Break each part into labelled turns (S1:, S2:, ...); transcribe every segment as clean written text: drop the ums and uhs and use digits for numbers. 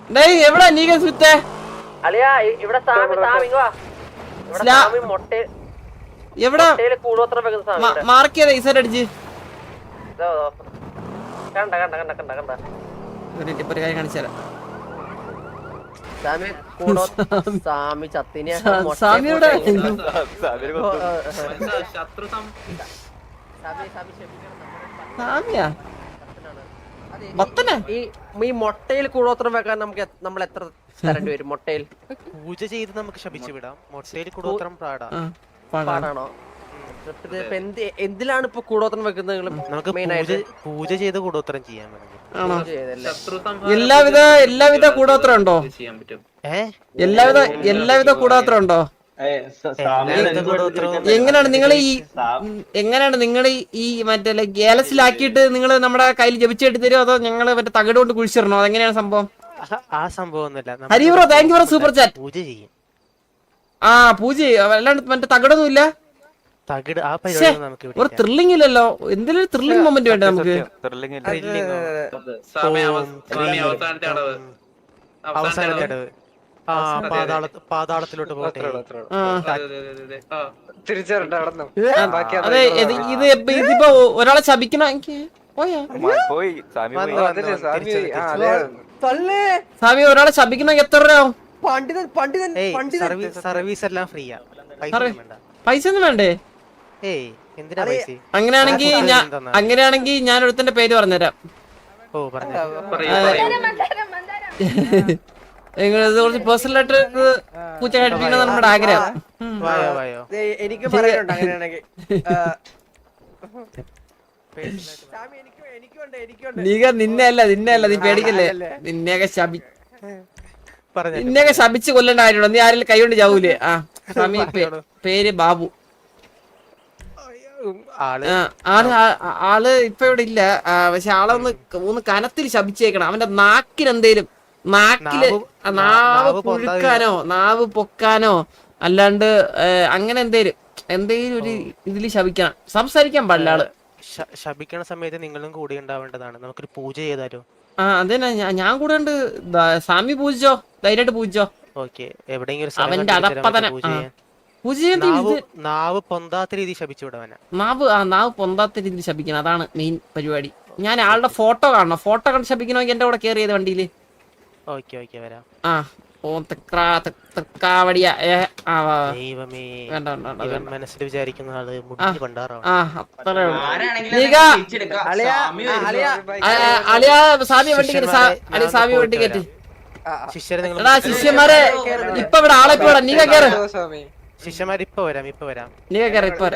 S1: എവിടാ നീ സുത്തേ
S2: അളിയാ ഇവിടെ
S1: എവിടാ മാർക്ക് ചെയ്ത ഈസൈഡ് അടിച്ച് ഒരു കാര്യം കാണിച്ചാല സാമിയുടെ സാമിയാ
S2: ഈ മൊട്ടയിൽ കൂടോത്രം വെക്കാൻ നമ്മൾ എത്ര തരേണ്ടി വരും? മൊട്ടയിൽ
S3: പൂജ ചെയ്ത് നമുക്ക് ശപിച്ചു വിടാം. മൊട്ടയിൽ കൂടോത്രം
S2: പാടാണോ? എന്തിലാണ് ഇപ്പൊ കൂടോത്രം വെക്കുന്നത്?
S3: നമുക്ക് പൂജ ചെയ്ത് കൂടോത്രം ചെയ്യാൻ
S1: എല്ലാവിധ കൂടോത്രം ഉണ്ടോ? എല്ലാവിധ കൂടോത്രം ഉണ്ടോ? എങ്ങനെയാണ് നിങ്ങൾ ഈ മറ്റേ ഗേലസിലാക്കിയിട്ട് നിങ്ങൾ നമ്മുടെ കയ്യിൽ ജപിച്ചിട്ട് തരുമോ അതോ ഞങ്ങള് മറ്റേ തകിട് കൊണ്ട് കുഴിച്ചിടണോ? അതെങ്ങനെയാണ് സംഭവം?
S3: ആ സംഭവം
S1: Hari bro thank you for super chat.
S3: പൂജ ചെയ്യും.
S1: പൂജ അല്ലാണ്ട് മറ്റേ തകിടൊന്നും ഇല്ല. ഒരു ത്രില്ലിംഗ് ഇല്ലല്ലോ. എന്തെങ്കിലും ത്രില്ലിംഗ് മൊമെന്റ് വേണ്ടേ നമുക്ക്?
S3: പാതാളത്തിലോട്ട് പോട്ടെ.
S1: അതെ ഇതിപ്പോ ഒരാളെ ശപിക്കണ സ്വാമി ഒരാളെ ശപിക്കണമെങ്കിൽ എത്ര രൂപ ആവും?
S3: സർവീസ് എല്ലാം ഫ്രീയാ,
S1: പൈസ ഒന്നും വേണ്ടേ? അങ്ങനെയാണെങ്കിൽ ഞാൻ ഒരുത്തന്റെ പേര് പറഞ്ഞുതരാം. കുറച്ച് പേഴ്സണൽ ആയിട്ട് പൂച്ച കഴിപ്പിക്കണം നമ്മുടെ ആഗ്രഹം.
S2: എനിക്ക് പറയാനുണ്ട്. അങ്ങനെയാണെങ്കിൽ
S1: നിന്നെ അല്ല നീ പേടിക്കല്ലേ. നിന്നെയൊക്കെ ശപിച്ച് കൊല്ലേണ്ട കാര്യമുണ്ടോ? നീ ആരെങ്കിലും കൈ കൊണ്ട് ചാവൂലേ? സ്വാമി പേര് ബാബു. ആള് ഇപ്പൊ ഇവിടെ ഇല്ല. പക്ഷെ ഒന്ന് കനത്തിൽ ശപിച്ചേക്കണം. അവന്റെ നാക്കിനെന്തേലും നാക്കില് നാവ് പുഴുക്കാനോ നാവ് പൊക്കാനോ അല്ലാണ്ട് അങ്ങനെ എന്തേലും ഒരു ഇതില് ശപിക്കണം. സംസാരിക്കാൻ പാടില്ല ആള്.
S3: ശപിക്കണ സമയത്ത് നിങ്ങളും കൂടെ ഉണ്ടാവേണ്ടതാണ്. നമുക്കൊരു പൂജ ചെയ്താലോ?
S1: അതന്നെ ഞാൻ കൂടെ ഉണ്ട്. സ്വാമി പൂജിച്ചോ, ധൈര്യമായിട്ട് പൂജിച്ചോ. അവന്റെ അതപ്പതന
S3: നാവ് പൊന്താത്ത രീതി ശപിച്ചു വിടവന.
S1: നാവ് പൊന്താത്ത രീതിയിൽ ശപിക്കണം. അതാണ് മെയിൻ പരിപാടി. ഞാൻ ആളുടെ ഫോട്ടോ കാണണം. ഫോട്ടോ കണ്ട് ശപിക്കണമെങ്കിൽ എന്റെ കൂടെ കയറി ചെയ്ത് വണ്ടിയില്.
S3: മനസ്സിൽ വിചാരിക്കുന്ന ആള്
S1: ശിഷ്യന്മാരെ ഇപ്പൊ ഇവിടെ ആളെ പോടാ. നീ കയറ്.
S3: ശിഷ്യന്മാർ ഇപ്പൊ വരാം.
S1: നീ കയറി ഇപ്പൊ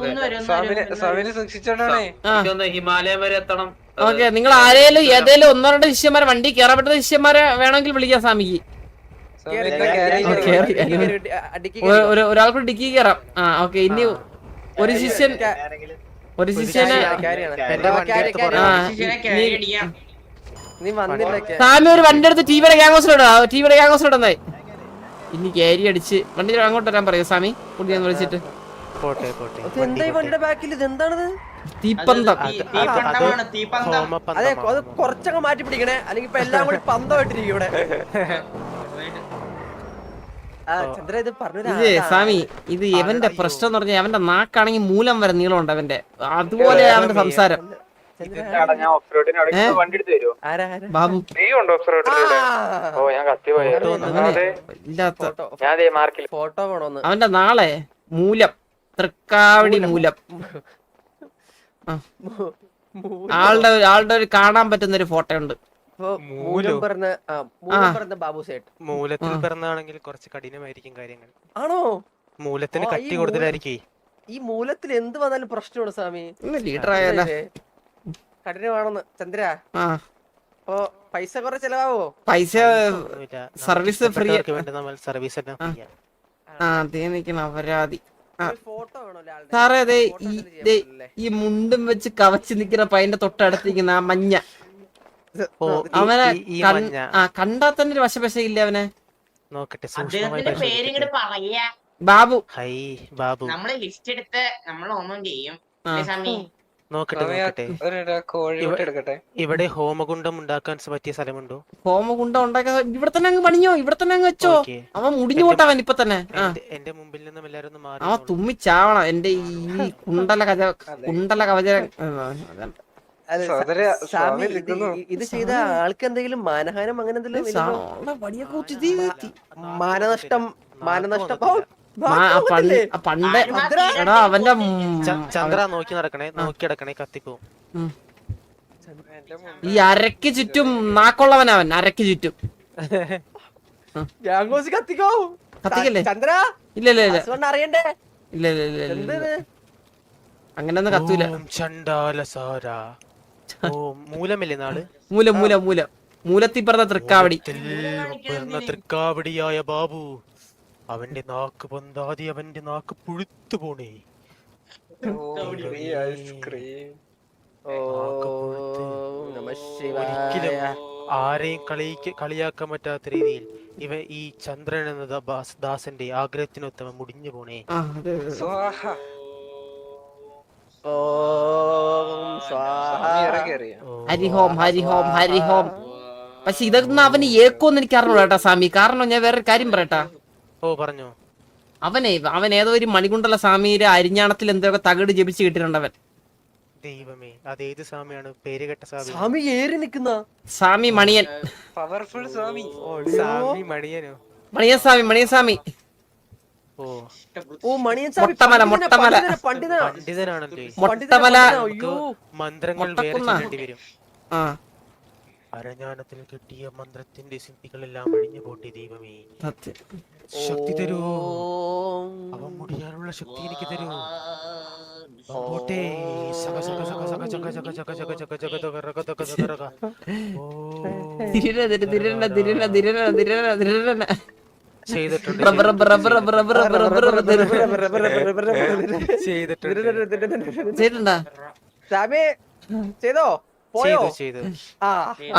S4: ഹിമാലയം വരെ എത്തണം.
S1: ഓക്കെ, നിങ്ങൾ ആരേലും ഏതേലും ഒന്നോ രണ്ടോ ശിഷ്യന്മാരെ വണ്ടി കയറാൻ പറ്റുന്ന ശിഷ്യന്മാരെ വേണമെങ്കിൽ വിളിക്കാം സ്വാമിക്ക്. ഒരാൾക്ക് ഡിക്കി കയറാം. ഓക്കെ, ഇനി ഒരു ശിഷ്യനെ സ്വാമി ഒരു വണ്ടി എടുത്ത് ടിവിയുടെ ഗ്യാങ്സിലിടാ. ഇനി ക്യാരി അടിച്ച് വണ്ടി അങ്ങോട്ട് വരാൻ പറയൂ സ്വാമി. കുട്ടിയെന്ന് വിളിച്ചിട്ട് തീപ്പന്തം.
S2: അതെ, അത് കുറച്ചൊക്കെ മാറ്റി പിടിക്കണേ, അല്ലെങ്കിൽ ഇപ്പൊ എല്ലാം കൂടി പന്തമായിട്ടിരിക്കും ഇവിടെ.
S1: സ്വാമി ഇത് ഇവന്റെ പ്രശ്നം എന്ന് പറഞ്ഞാൽ അവന്റെ നാക്കാണെങ്കിൽ മൂലം വരെ നീളമുണ്ട് അവന്റെ. അതുപോലെ അവന്റെ സംസാരം. ബാബു അവന്റെ നാളെ മൂലം തൃക്കാവടി മൂലം ആളുടെ ഒരു കാണാൻ പറ്റുന്ന ഒരു ഫോട്ടോ ഉണ്ട്.
S3: മൂലത്തിൽ പിറന്നാണെങ്കിൽ കുറച്ച് കഠിനമായിരിക്കും കാര്യങ്ങൾ.
S2: ആണോ?
S3: മൂലത്തിന് കട്ടി കൂടുതലായിരിക്കേ.
S2: ഈ മൂലത്തിൽ എന്ത് വന്നാലും പ്രശ്നമാണ് സ്വാമി.
S1: ലീഡർ ആയാലോ
S2: കഠിനമാണെന്ന് ചന്ദ്ര. അപ്പൊ പൈസ കുറെ ചെലവാവോ?
S1: പൈസ സർവീസ് ഫ്രീ. അപരാധി സാറേ. അതെ, ഈ മുണ്ടും വെച്ച് കവച്ച് നിക്കുന്ന പയ്യന്റെ തൊട്ടടുത്തിരിക്കുന്ന ആ മഞ്ഞ അവനെ കണ്ടാ തന്നെ ഒരു വശപശയില്ല അവനെ. ബാബു.
S5: നമ്മള് ലിസ്റ്റ് എടുത്ത് നമ്മൾ ഒന്നും ചെയ്യും.
S3: നോക്കട്ടെ നോക്കട്ടെ.
S5: കോഴിമുട്ട എടുക്കട്ടെ.
S3: ഇവിടെ ഹോമകുണ്ടം ഉണ്ടാക്കാൻ പറ്റിയ സ്ഥലമുണ്ടോ?
S1: ഹോമകുണ്ടം ഉണ്ടാക്കാൻ ഇവിടെ തന്നെ അങ്ങ് പണിഞ്ഞോ, ഇവിടെ തന്നെ അങ്ങ് വെച്ചോ.
S3: ഓക്കേ.
S1: അവൻ മുടിഞ്ഞു പോട്ടവൻ ഇപ്പൊ തന്നെ.
S3: എന്റെ മുമ്പിൽ നിന്നും എല്ലാരും ഒന്ന്
S1: അവൻ
S3: മാറി.
S1: തുമ്മിച്ചാവണം എന്റെ ഈ കുണ്ടല കവച
S5: സഹോദര, സ്വാമി നിൽക്കുന്നു.
S2: ഇത് ചെയ്ത ആൾക്ക് എന്തെങ്കിലും മാനഹാനം അങ്ങനെ എന്തെങ്കിലും ഇല്ലല്ലോ? മാനനഷ്ടം ഓ,
S1: പണ്ട് എടാ അവന്റെ
S3: ചന്ദ്ര നോക്കി നടക്കണേ, നോക്കി നടക്കണേ, കത്തിപ്പോവും.
S1: ഈ അരക്ക് ചുറ്റും നാക്കുള്ളവനവൻ, അരക്ക് ചുറ്റും.
S2: ഗ്യാങ്കോസ് കത്തിക്കോ.
S1: കത്തിക്കല്ലേ?
S2: ചന്ദ്ര
S1: ഇല്ല ഇല്ല ഇല്ല
S2: ഹസ്ബൻഡ് അറിയണ്ടേ?
S1: ഇല്ല ഇല്ല ഇല്ല ഇല്ല
S2: എന്തത്?
S1: അങ്ങനൊന്നും കത്തൂല.
S3: ഓം ചണ്ഡാലസാര. ഓ മൂലമല്ലേ നാള്?
S1: മൂലം മൂലം മൂലം മൂലത്തിൽ പറഞ്ഞ തൃക്കാവടി.
S3: പിറന്ന തൃക്കാവടിയായ ബാബു, അവന്റെ നാക്ക് പൊന്താതി, അവന്റെ നാക്ക് പുഴുത്തു പോണേ.
S5: ഐസ്ക്രീം.
S3: ഒരിക്കലും ആരെയും കളിയാക്കാൻ പറ്റാത്ത രീതിയിൽ ഈ ചന്ദ്രൻ എന്ന ദാസന്റെ ആഗ്രഹത്തിനൊത്തവ മുടിഞ്ഞു പോണേ.
S5: സ്വാഹ.
S2: ഓം സ്വാഹ.
S5: സ്വാമി ഇറങ്ങിയറിയ.
S1: ഹരിഹോം ഹരിഹോം ഹരിഹോം. പക്ഷെ ഇതൊന്നും അവന് ഏക്കോന്ന് എനിക്ക് അറിഞ്ഞു കേട്ടാ സ്വാമി. കാരണം ഞാൻ വേറൊരു കാര്യം പറയട്ടാ.
S3: ഓ പറഞ്ഞോ.
S1: അവൻ ഏതോ ഒരു മണികുണ്ടല സ്വാമിയുടെ അരിഞ്ഞാണത്തിൽ എന്തൊക്കെ തകിട് ജപിച്ച് കിട്ടിയിട്ടുണ്ട് അവൻ.
S3: ദൈവമേ, അതേത് സ്വാമിയാണ്? പേര് കേട്ട സ്വാമി.
S2: സ്വാമി ഏറി നിക്കുന്ന
S1: സ്വാമി മണിയൻ.
S5: പവർഫുൾ സ്വാമി.
S3: സ്വാമി മണിയനോ?
S1: മണിയൻ സ്വാമി, മണിയൻ സ്വാമി.
S3: ഓ
S2: ഓ മണിയൻ സ്വാമി
S1: മൊട്ടമല, മൊട്ടമല.
S3: പണ്ഡിതനാണല്ലേ?
S1: മൊട്ടമല.
S2: അയ്യോ
S3: മന്ത്രങ്ങൾ വേറെ
S1: മൊട്ടക്കുന്ന.
S3: ചൊല്ലേണ്ടി വരും.
S1: ആ
S3: അരഞ്ഞാണത്തിൽ കെട്ടിയ മന്ത്രത്തിന്റെ സിദ്ധികളെല്ലാം അഴിഞ്ഞു പോട്ടെ ദൈവമേ.
S1: സത്യം.
S3: ശക്തി തരൂ.
S2: ഓം
S3: അവൻ മുടിയാനുള്ള ശക്തി എനിക്ക് തരൂ. പോട്ടെ. സക സക സക സക സക സക സക സക സക സക സക രക തക തക രക. ഓ
S1: തിരിരണ തിരിരണ തിരിരണ തിരിരണ തിരിരണ തിരിരണ.
S3: ചെയ്തിട്ടുണ്ട്.
S1: Rubber rubber rubber rubber rubber rubber rubber
S3: ചെയ്തിട്ടുണ്ട്.
S1: ചെയ്തിട്ടുണ്ടാ?
S2: സ്വാമി ചെയ്തോ? പോയോ?
S3: ചെയ്തു.
S2: ആ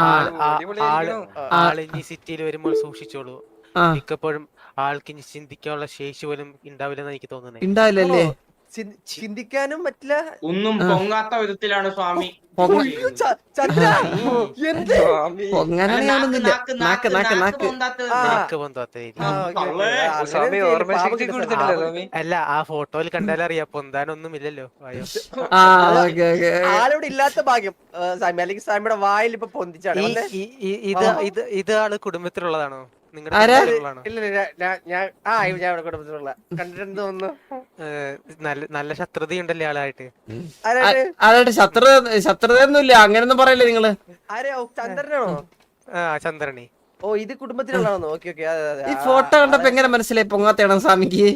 S3: ആളിനി സിറ്റിയിൽ വരുമ്പോൾ സൂക്ഷിച്ചോളൂ. മിക്കപ്പോഴും ആൾക്ക് ഇനി ചിന്തിക്കാനുള്ള ശേഷി പോലും ഉണ്ടാവില്ലെന്ന് എനിക്ക് തോന്നുന്നത്.
S1: ഉണ്ടാവില്ലല്ലേ?
S2: ചിന്തിക്കാനും പറ്റില്ല.
S4: ഒന്നും പൊങ്ങാത്ത വിധത്തിലാണ് സ്വാമി.
S2: ചന്ദ്ര എന്ത്?
S1: പൊങ്ങാനൊന്നുമില്ല. നാക്ക് നാക്ക് നാക്ക്.
S3: നാക്ക് പൊന്താത്ത രീതി.
S5: സ്വാമി ഓർമ്മശക്തി കൊടുത്തിട്ടില്ല സ്വാമി.
S3: അല്ല, ആ ഫോട്ടോയിൽ കണ്ടാലറിയാം പൊന്താനൊന്നും ഇല്ലല്ലോ. അയ്യോ,
S1: ആ ഓക്കെ ഓക്കെ.
S2: ആളിവിടെ ഇല്ലാത്ത ഭാഗ്യം സ്വാമി, അല്ലെങ്കിൽ സ്വാമിയുടെ വായിൽ ഇപ്പൊ പൊന്തിച്ചാണ്.
S3: ഇത് ആള് കുടുംബത്തിലുള്ളതാണോ? നിങ്ങളുടെ
S1: ആരാ?
S3: കുടുംബത്തിലുള്ളതാണോ?
S2: ഇല്ല ഞാൻ ഇവിടെ കുടുംബത്തിലുള്ള കണ്ടിട്ടുണ്ട് തോന്നുന്നു.
S3: നല്ല ശത്രുതയുണ്ടല്ലേ ആളായിട്ട്?
S1: അതായിട്ട് ശത്രുതയൊന്നുമില്ല. അങ്ങനൊന്നും പറയല്ലേ നിങ്ങള്.
S2: ആരെയോ? ചന്ദ്രനാണോ?
S3: ആ ചന്ദ്രനെ.
S2: ഓ ഇത് കുടുംബത്തിലുള്ളതാണോ? Okay okay.
S1: ഈ ഫോട്ടോ കണ്ടപ്പോ എങ്ങനെ മനസ്സിലായി പൊങ്ങാത്തയാണോ സ്വാമിക്ക്?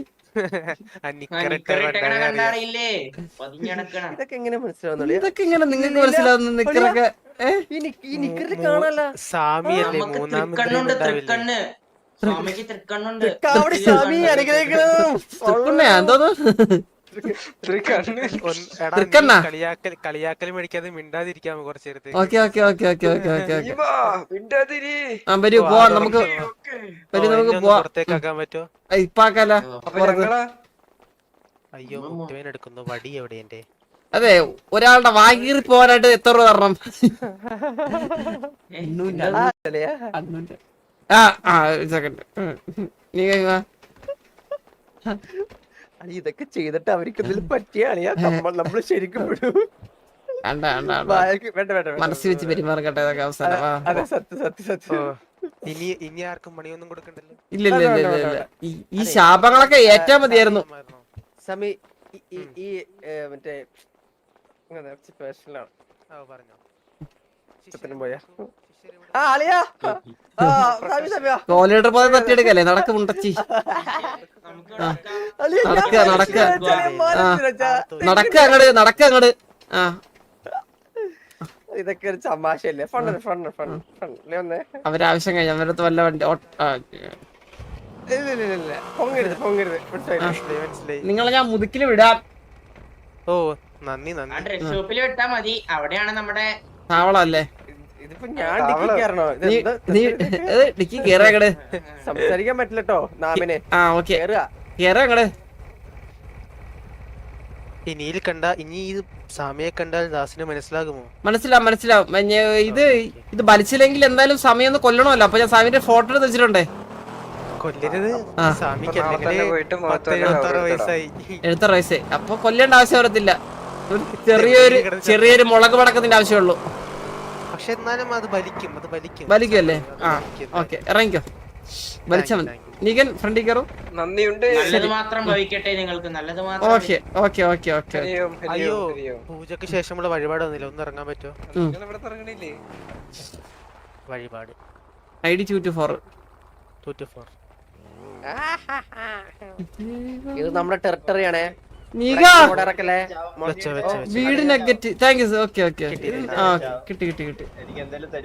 S2: ഇതൊക്കെ എങ്ങനെ മനസ്സിലാവുന്നുള്ളൂ?
S1: ഇതൊക്കെ ഇങ്ങനെ നിങ്ങൾക്ക് മനസ്സിലാവുന്ന നിക്കറൊക്കെ
S2: ഈ നിക്കറിൽ കാണാല്ല.
S3: സ്വാമിയല്ലേ മൂന്നാമത്
S4: സ്വാമിക്ക് തൃക്കണ്ണുണ്ട്.
S2: കാവടി സ്വാമി അനുഗ്രഹിക്കണം.
S1: തൃക്കുണ്ണയാ എന്തോന്ന്? തൃക്കണ്ണാ?
S3: കളിയാക്കൽ മേടിക്കാതെ മിണ്ടാതിരിക്കാമോ കുറച്ചു നേരത്തെ?
S1: Okay okay okay okay okay okay okay.
S5: മിണ്ടാതിരി.
S1: ആ വരൂ പോവാം നമുക്ക്. വരൂ നമുക്ക് പോവാം.
S3: പുറത്തേക്കാക്കാൻ പറ്റോ?
S1: ഇപ്പാക്കല്ല.
S5: അപ്പൊ ഞങ്ങളാ
S3: അയ്യോ, മുട്ടുവേൻ എടുക്കുന്നു. വടി എവിടെ എന്റെ?
S1: അതെ, ഒരാളുടെ വാഗീറി പോകാനായിട്ട് എത്ര രൂപ തരണം? ആ ആ സെക്കൻഡ്. നീ വാ.
S2: ഇതൊക്കെ ചെയ്തിട്ട് അവർക്ക് എന്തെങ്കിലും പറ്റിയാളിയാ നമ്മള് ശരിക്കും വിടും.
S1: വേണ്ട വേണ്ട വേണ്ട. മനസ്സിൽ വെച്ച് പെരുമാറട്ടെ ഇതൊക്കെ അവസാനം.
S2: അതെ സത്യം സത്യം സത്യം.
S3: ഇനി ആർക്കും പണിയൊന്നും കൊടുക്കണ്ടല്ലോ.
S1: ഇല്ല ഇല്ല ഇല്ല ഇല്ല. ഈ ശാപങ്ങളൊക്കെ ഏറ്റാ മതിയായിരുന്നു.
S2: സമി ഈ മറ്റേ സ്പെഷ്യലാണ്.
S3: പറഞ്ഞോ.
S2: പോയാ ആ അളിയാ
S1: കോലീഡർ പോലെ തട്ടിയെടുക്കല്ലേ? നടക്ക് മുണ്ടച്ചി. നടക്ക നടക്ക നടക്ക അങ്ങട് നടക്ക അങ്ങട്. ആ
S2: ഇതൊക്കെ ഒരു തമാശയല്ലേ? ഫണ്ട് ഫണ്ട് ഫണ്ട് ഫണ്ട് വന്നേ.
S1: അവരാവശ്യം കഴിഞ്ഞ അവരടുത്ത് വല്ല വണ്ടി
S2: ഇല്ല പൊങ്ങരുത് പൊങ്ങരുത്.
S3: മനസ്സിലായി.
S1: നിങ്ങളെ ഞാൻ മുതുക്കില് വിടാം.
S3: ഓ നന്ദി നന്ദി.
S4: ഡ്രസ് ഷോപ്പിൽ വിട്ടാ മതി. അവിടെയാണ് നമ്മുടെ
S1: താവളല്ലേ?
S2: ഇതിപ്പോ ഞാൻ ഡിക്കി കയറണോ?
S1: ഡിക്കി കേറാ അങ്ങട്.
S2: സംസാരിക്കാൻ പറ്റില്ലട്ടോ നാമിനെ.
S1: ആ ഓക്കെ
S2: കേറുക.
S1: കേറാ അങ്ങട്.
S3: ഇനിയിൽ കണ്ട ഇനി ഈ സ്വാമിയെ കണ്ടാൽ ദാസിന് മനസ്സിലാകുമോ?
S1: മനസ്സിലാവും ഇത് വലിച്ചില്ലെങ്കിൽ എന്തായാലും സമയം ഒന്ന് കൊല്ലണമല്ലോ. അപ്പൊ ഞാൻ സ്വാമിന്റെ ഫോട്ടോ എടുത്ത് വെച്ചിട്ടുണ്ടേ.
S3: കൊല്ലരുത്.
S1: ആ.
S3: സ്വാമിക്ക്
S5: നാളെ തന്നെ
S3: അല്ലെങ്കിൽ
S5: പോയിട്ട്
S3: 76 വയസ്സായി.
S1: എടുത്ത റൈസേ അപ്പൊ കൊല്ലേണ്ട ആവശ്യം വരത്തില്ല. ഒരു ചെറിയൊരു മുളക് പടക്കത്തിന്റെ ആവശ്യമുള്ളൂ.
S3: പക്ഷെ എന്നാലും അത് വലിക്കും.
S1: വലിക്കുമല്ലേ? ആ ഓക്കെ, ഇറങ്ങിക്കോ. വലിച്ചാ മതി. നീകൻ ഫ്രണ്ടിൽ കയറും.
S5: നന്ദിയുണ്ട്.
S4: നല്ലത് മാത്രം ഭവിക്കട്ടെ നിങ്ങൾക്ക്, നല്ലത് മാത്രം.
S1: ഓക്കെ.
S3: അയ്യോ, പൂജക്ക് ശേഷമുള്ള വഴിപാട് വന്നില്ല. ഒന്ന് ഇറങ്ങാൻ പറ്റുമോ?
S5: ഇവിടെ ഇറങ്ങണില്ലേ?
S3: വഴിപാട്
S1: ID 224.
S3: 224.
S2: ഇത് നമ്മുടെ ടെറിട്ടറി ആണേ.
S1: നീക
S2: ഇറക്കല്ലേ
S3: വെച്ചോ.
S1: വീട് നെഗറ്റ്. Thank you. ഓക്കെ കിട്ടി